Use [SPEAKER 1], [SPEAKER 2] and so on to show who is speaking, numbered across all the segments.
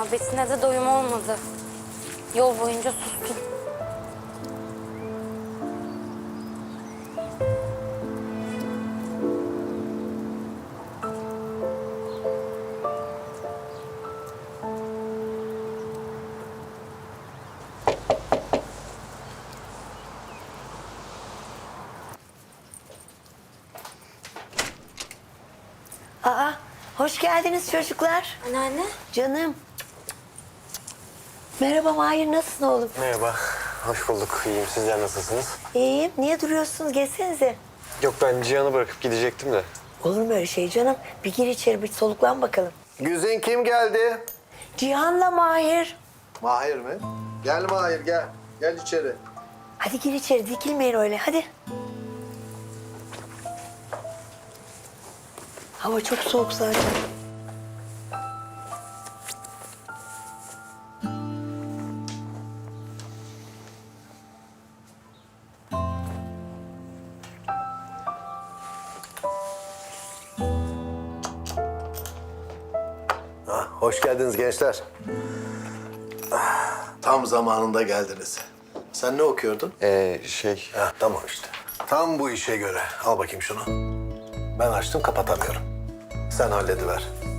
[SPEAKER 1] muhabbetine de doyum olmadı. Yol boyunca sustum.
[SPEAKER 2] Aa, hoş geldiniz çocuklar.
[SPEAKER 1] Anneanne.
[SPEAKER 2] Canım. Merhaba Mahir, nasılsın oğlum?
[SPEAKER 3] Merhaba, hoş bulduk. İyiyim. Sizler nasılsınız?
[SPEAKER 2] İyiyim. Niye duruyorsunuz? Geçsenize.
[SPEAKER 3] Yok, ben Cihan'ı bırakıp gidecektim de.
[SPEAKER 2] Olur mu öyle şey canım? Bir gir içeri, bir soluklan bakalım.
[SPEAKER 4] Güzin kim geldi?
[SPEAKER 2] Cihan'la Mahir.
[SPEAKER 4] Mahir mi? Gel Mahir gel. Gel içeri.
[SPEAKER 2] Hadi gir içeri, dikilmeyin öyle. Hadi. Hava çok soğuk zaten.
[SPEAKER 4] Hoş geldiniz gençler. Tam zamanında geldiniz. Sen ne okuyordun? Tamam işte. Tam bu işe göre. Al bakayım şunu. Ben açtım, kapatamıyorum. Sen hallediver.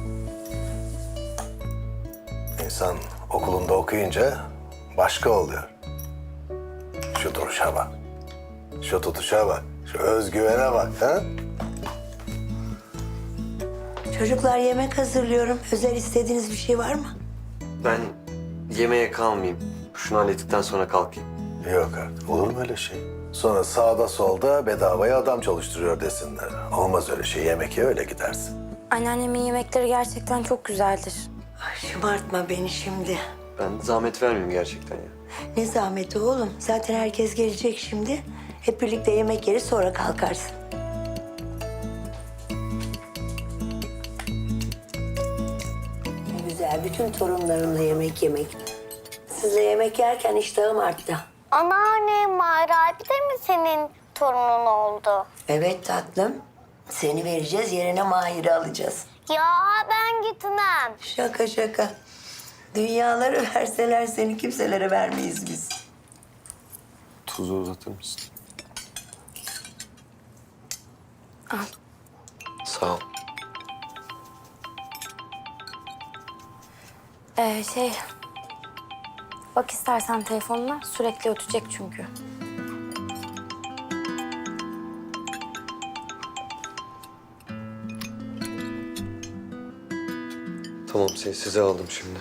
[SPEAKER 4] İnsan okulunda okuyunca başka oluyor. Şu duruşa bak. Şu tutuşa bak. Şu özgüvene bak. Ha?
[SPEAKER 2] Çocuklar yemek hazırlıyorum. Özel istediğiniz bir şey var mı?
[SPEAKER 3] Ben yemeğe kalmayayım. Şunu hallettikten sonra kalkayım.
[SPEAKER 4] Yok artık. Olur mu öyle şey? Sonra sağda solda bedavaya adam çalıştırıyor desinler. Olmaz öyle şey. Yemek ye öyle gidersin.
[SPEAKER 1] Anneannemin yemekleri gerçekten çok güzeldir.
[SPEAKER 2] Ay, şımartma beni şimdi.
[SPEAKER 3] Ben zahmet vermeyeyim gerçekten ya.
[SPEAKER 2] Ne zahmeti oğlum. Zaten herkes gelecek şimdi. Hep birlikte yemek yeriz, sonra kalkarsın. Ne güzel, bütün torunlarımla yemek yemek. Sizle yemek yerken iştahım arttı.
[SPEAKER 5] Anneanne, Mahir abi de mi senin torunun oldu?
[SPEAKER 2] Evet tatlım. Seni vereceğiz, yerine Mahir'i alacağız.
[SPEAKER 5] Ya ben gitmem.
[SPEAKER 2] Şaka şaka. Dünyaları verseler seni kimselere vermeyiz biz.
[SPEAKER 3] Tuzu uzatır mısın?
[SPEAKER 1] Al.
[SPEAKER 3] Sağ ol.
[SPEAKER 1] Bak istersen telefonuna, sürekli ötecek çünkü.
[SPEAKER 3] Tamam, size aldım şimdi.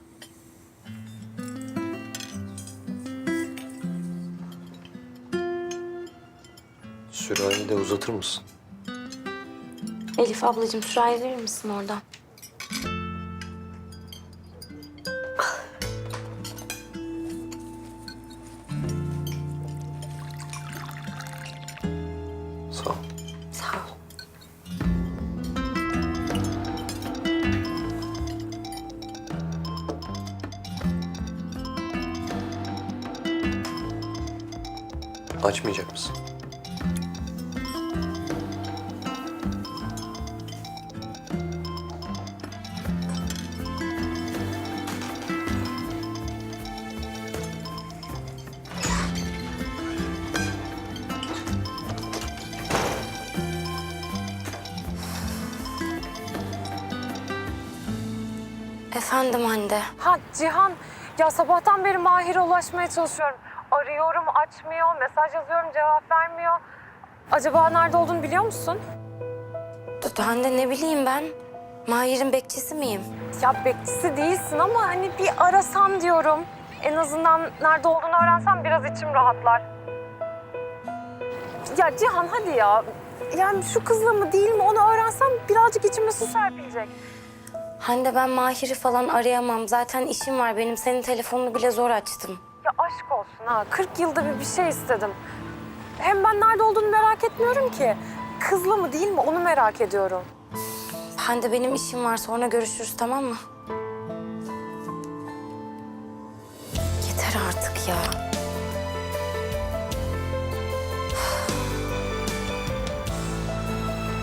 [SPEAKER 3] Sürahi de uzatır mısın?
[SPEAKER 1] Elif ablacığım, sürahi verir misin oradan?
[SPEAKER 3] Sağ ol.
[SPEAKER 1] Sağ ol.
[SPEAKER 3] Açmayacak mısın?
[SPEAKER 1] Efendim Hande.
[SPEAKER 6] Ha Cihan, ya sabahtan beri Mahir'e ulaşmaya çalışıyorum. Arıyorum, açmıyor, mesaj yazıyorum, cevap vermiyor. Acaba nerede olduğunu biliyor musun?
[SPEAKER 1] Hande ne bileyim ben. Mahir'in bekçisi miyim?
[SPEAKER 6] Ya bekçisi değilsin ama hani bir arasan diyorum. En azından nerede olduğunu öğrensem biraz içim rahatlar. Ya Cihan hadi ya. Yani şu kızla mı değil mi onu öğrensem birazcık içime su serpilecek.
[SPEAKER 1] Hande ben Mahir'i falan arayamam. Zaten işim var benim. Senin telefonunu bile zor açtım.
[SPEAKER 6] Ya aşk olsun ha. 40 yılda bir şey istedim. Hem ben nerede olduğunu merak etmiyorum ki. Kızla mı değil mi onu merak ediyorum.
[SPEAKER 1] Hande benim işim var. Sonra görüşürüz, tamam mı? Yeter artık ya.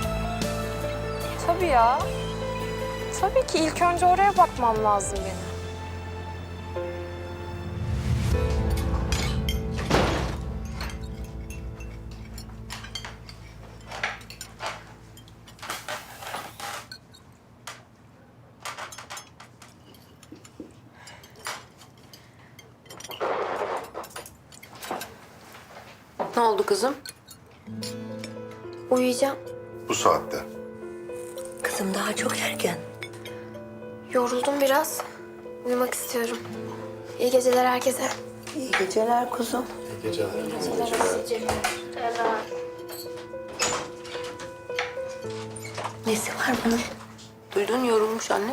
[SPEAKER 6] Tabii ya. Tabii ki ilk önce oraya bakmam lazım benim.
[SPEAKER 7] oldu kızım?
[SPEAKER 8] Uyuyacağım.
[SPEAKER 4] Bu saatte.
[SPEAKER 2] Kızım daha çok erken.
[SPEAKER 8] Yoruldum biraz. Uyumak istiyorum. İyi geceler herkese.
[SPEAKER 2] İyi geceler kuzum. Nesi var bunun?
[SPEAKER 7] Duydun yorulmuş anne.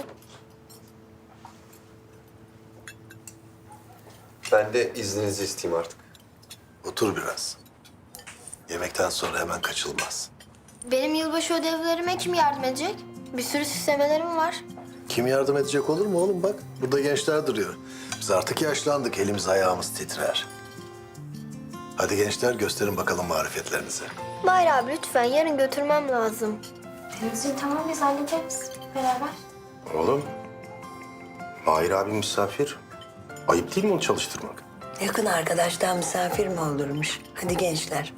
[SPEAKER 3] Ben de izninizi isteyeyim artık.
[SPEAKER 4] Otur biraz. Yemekten sonra hemen kaçılmaz.
[SPEAKER 8] Benim yılbaşı ödevlerime kim yardım edecek? Bir sürü süslemelerim var.
[SPEAKER 4] Kim yardım edecek olur mu oğlum bak? Burada gençler duruyor. Biz artık yaşlandık. Elimiz ayağımız titrer. Hadi gençler gösterin bakalım marifetlerinizi.
[SPEAKER 8] Mahir abi lütfen yarın götürmem lazım.
[SPEAKER 1] Denizciğim tamam biz hallederiz beraber.
[SPEAKER 9] Oğlum, Mahir abi misafir. Ayıp değil mi onu çalıştırmak?
[SPEAKER 2] Yakın arkadaştan misafir mi olurmuş? Hadi gençler.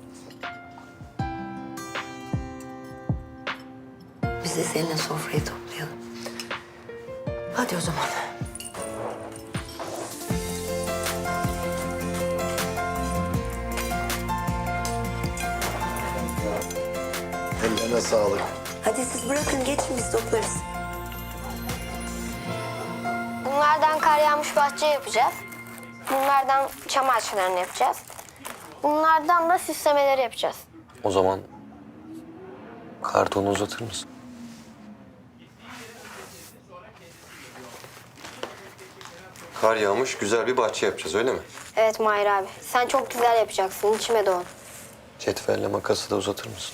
[SPEAKER 2] Biz de seninle sofrayı toplayalım. Hadi o zaman.
[SPEAKER 4] Ellerine sağlık.
[SPEAKER 2] Hadi siz bırakın geçin biz toplarız.
[SPEAKER 5] Bunlardan kar yağmış bahçe yapacağız. Bunlardan çam ağaçlarını yapacağız. Bunlardan da süslemeleri yapacağız.
[SPEAKER 3] O zaman kartonu uzatır mısın? Kar yağmış, güzel bir bahçe yapacağız öyle mi?
[SPEAKER 5] Evet Mahir abi. Sen çok güzel yapacaksın. İçime doğdu.
[SPEAKER 3] Cetvelle makası da uzatır mısın?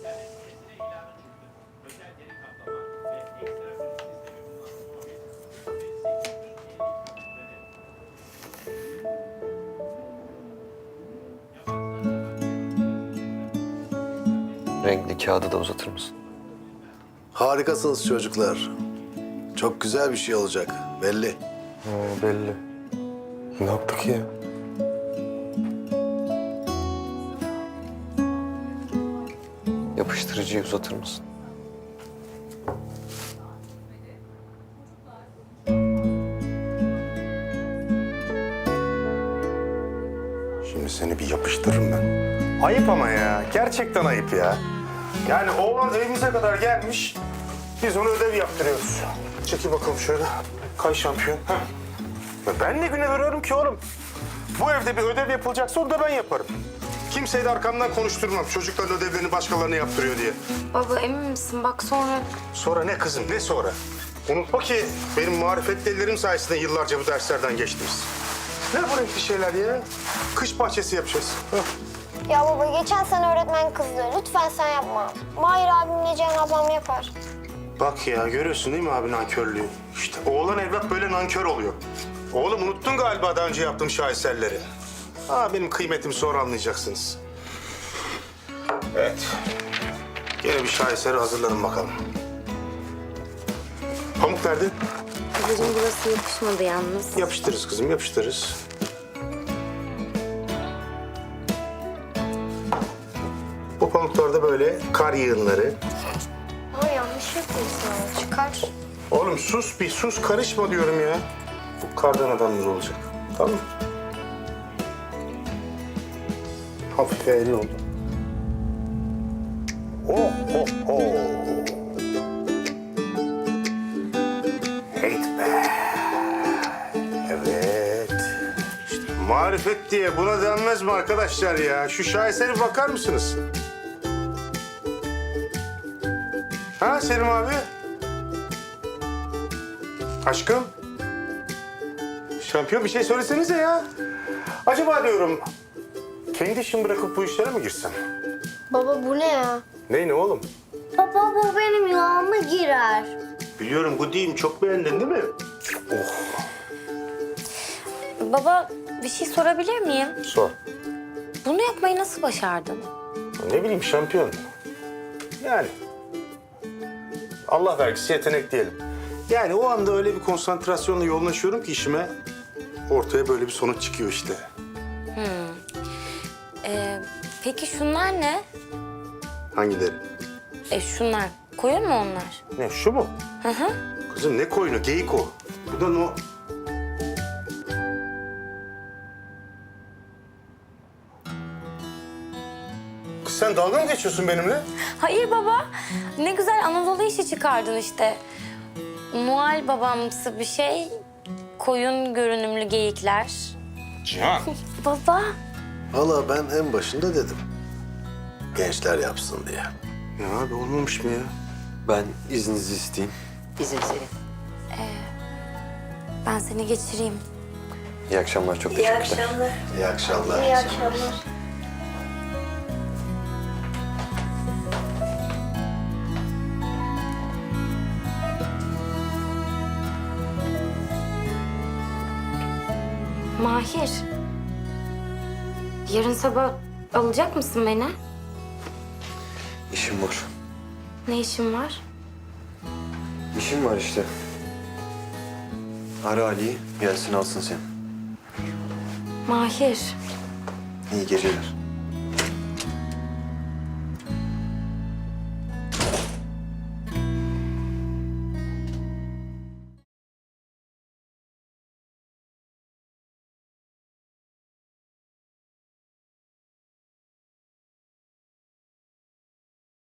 [SPEAKER 3] Renkli kağıdı da uzatır mısın?
[SPEAKER 4] Harikasınız çocuklar. Çok güzel bir şey olacak belli.
[SPEAKER 9] Belli. Ne yaptık ya?
[SPEAKER 3] Yapıştırıcıyı uzatır mısın?
[SPEAKER 9] Şimdi seni bir yapıştırırım ben. Ayıp ama ya. Gerçekten ayıp ya. Yani oğlan evimize kadar gelmiş. Biz ona ödev yaptırıyoruz. Çekil bakalım şöyle. Kay şampiyon. Heh. Ya ben ne güne veriyorum ki oğlum? Bu evde bir ödev yapılacaksa onu da ben yaparım. Kimseyi de arkamdan konuşturmam. Çocukların ödevlerini başkalarına yaptırıyor diye.
[SPEAKER 1] Baba emin misin? Bak sonra...
[SPEAKER 9] Sonra ne kızım, ne sonra? Unutma ki benim marifetli ellerim sayesinde yıllarca bu derslerden geçtiniz. Ne bu renkli şeyler ya? Kış bahçesi yapacağız. Hah.
[SPEAKER 5] Ya baba geçen sene öğretmen kızdı. Lütfen sen yapma. Mahir abimle Ceyhan ablam yapar.
[SPEAKER 9] Bak ya görüyorsun değil mi abi nankörlüğü? İşte oğlan evlat böyle nankör oluyor. Oğlum unuttun galiba daha önce yaptığım şaheserleri. Benim kıymetimi sonra anlayacaksınız. Evet. Yine bir şaheseri hazırlanın bakalım. Pamuk nerede?
[SPEAKER 1] Babacığım burası yapışmadı yalnız.
[SPEAKER 9] Yapıştırırız kızım, yapıştırırız. Bu pamuklarda böyle kar yığınları.
[SPEAKER 8] Ama yanlış yapıyorsun. Çıkar.
[SPEAKER 9] Oğlum sus bir sus, karışma diyorum ya. Bu kardan adamımız olacak. Tamam mı? Hafif eğri oldu. Oh oh oh. Heyt be. Evet. İşte marifet diye buna denmez mi arkadaşlar ya? Şu şahesere bakar mısınız? Ha Selim abi? Aşkım? Şampiyon bir şey söylesenize ya. Acaba diyorum kendi işimi bırakıp bu işlere mi girsem?
[SPEAKER 8] Baba bu ne ya?
[SPEAKER 9] Ne oğlum?
[SPEAKER 5] Baba bu benim yağıma girer.
[SPEAKER 9] Biliyorum bu değil, çok beğendin değil mi?
[SPEAKER 1] Baba bir şey sorabilir miyim?
[SPEAKER 9] Sor.
[SPEAKER 1] Bunu yapmayı nasıl başardın?
[SPEAKER 9] Ne bileyim şampiyon. Yani. Allah vergisi yetenek diyelim. Yani o anda öyle bir konsantrasyonla yoğunlaşıyorum ki işime ortaya böyle bir sonuç çıkıyor işte.
[SPEAKER 1] Peki şunlar ne?
[SPEAKER 9] Hangileri?
[SPEAKER 1] Şunlar. Koyun mu onlar?
[SPEAKER 9] Ne şu mu?
[SPEAKER 1] Hı hı.
[SPEAKER 9] Kızım ne koyunu? Geyik o. Bu da no. sen dalga mı geçiyorsun benimle?
[SPEAKER 1] Hayır baba. Ne güzel Anadolu işi çıkardın işte. Noel babamsı bir şey. Koyun görünümlü geyikler.
[SPEAKER 9] Cihan.
[SPEAKER 1] Baba.
[SPEAKER 4] Valla ben en başında dedim. Gençler yapsın diye.
[SPEAKER 9] Ya abi olmamış mı ya?
[SPEAKER 3] Ben izninizi isteyeyim.
[SPEAKER 7] Bizim senin.
[SPEAKER 1] Ben seni geçireyim.
[SPEAKER 3] İyi akşamlar, çok
[SPEAKER 2] İyi
[SPEAKER 3] teşekkürler.
[SPEAKER 2] akşamlar.
[SPEAKER 4] İyi akşamlar.
[SPEAKER 5] İyi akşamlar.
[SPEAKER 1] Mahir. Yarın sabah alacak mısın beni?
[SPEAKER 3] İşim var.
[SPEAKER 1] Ne işin var?
[SPEAKER 3] İşim var işte. Ara Ali'yi, gelsin alsın seni.
[SPEAKER 1] Mahir.
[SPEAKER 3] İyi geceler.